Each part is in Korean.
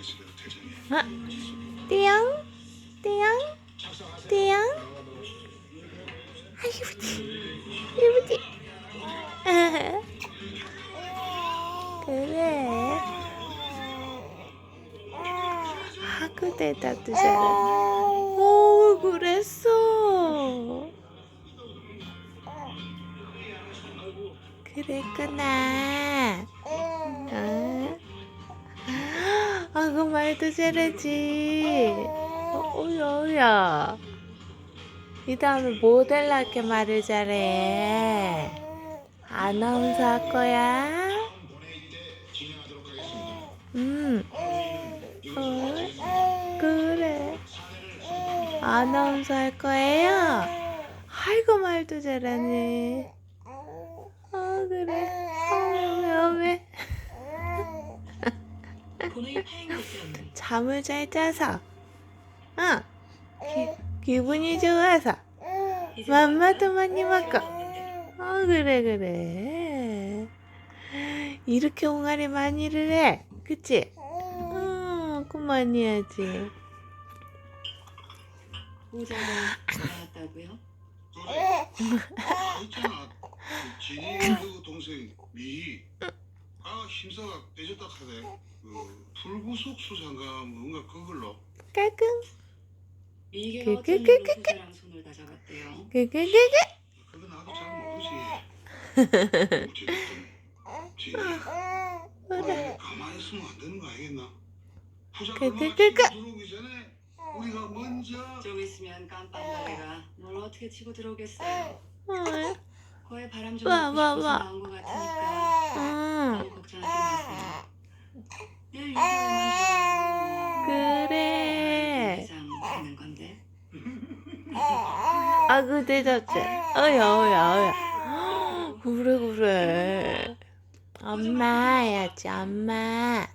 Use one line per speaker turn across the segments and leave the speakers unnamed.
아, 띠용, 띠용, 띠용. 아, 이쁘지, 그래. 하고 대답도 잘해. 오, 그랬어. 그랬구나. 그 말도 잘하지. 오야. 이 다음에 모델답게 말을 잘해. 아나운서 할 거야? 그래. 아나운서 할 거예요? 아이고, 말도 잘하네. 그래. 왜? 잠을 잘 자서. 기분이 좋아서. 맘마도 많이 먹고. 그래. 이렇게 옹알이 많이를 해. 그치? 그만 해야지.
보자가 나왔다고요?
있잖아. 진이 그 동생 미. 심사가 빼졌다 하대. 불구속 수상가 뭔가 그걸로.
깔끔.
미개가 어쩐 일로 부자랑 손을 다 잡았대요.
그거 나도 잘 모르지. 그래. 가만히 있으면 안 되는 거 알겠나? 부자 들어오기 전에 우리가 먼저.
좀 있으면 깜빵가래가 뭘 어떻게 치고 들어오겠어요. 거의 바람 좀
와,
먹고
와,
싶어서
와.
나온 것 같으니까 너무 걱정하지 마세요. 내일 6개월만
그래.
회장 되는 건데.
그 대답지. 어야. 그래. 엄마 해야지, 엄마.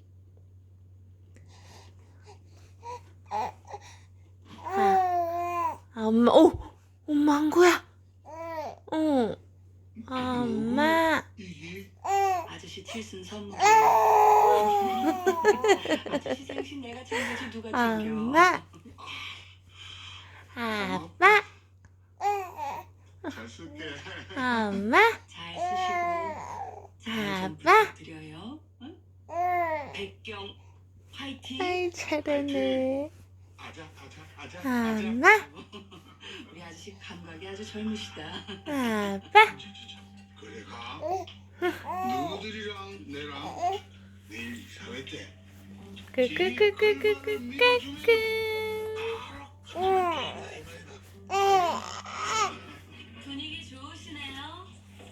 엄마. 엄마 한 거야? 엄마.
아저씨 칠순 선물. 아저씨 생신 내가 챙겨줄 누가 챙겨.
엄마. 아빠.
잘 쓸게.
엄마.
잘 쓰시고 잘좀
아빠.
부탁드려요. 응? 백경 화이팅.
아이, 잘하네.
아자.
엄마.
우리 아저씨 감각이 아주 젊으시다.
아빠.
그래 가. 누구들이랑 내랑 내일 이사회 때.
끄끄끄끄끄끄끄.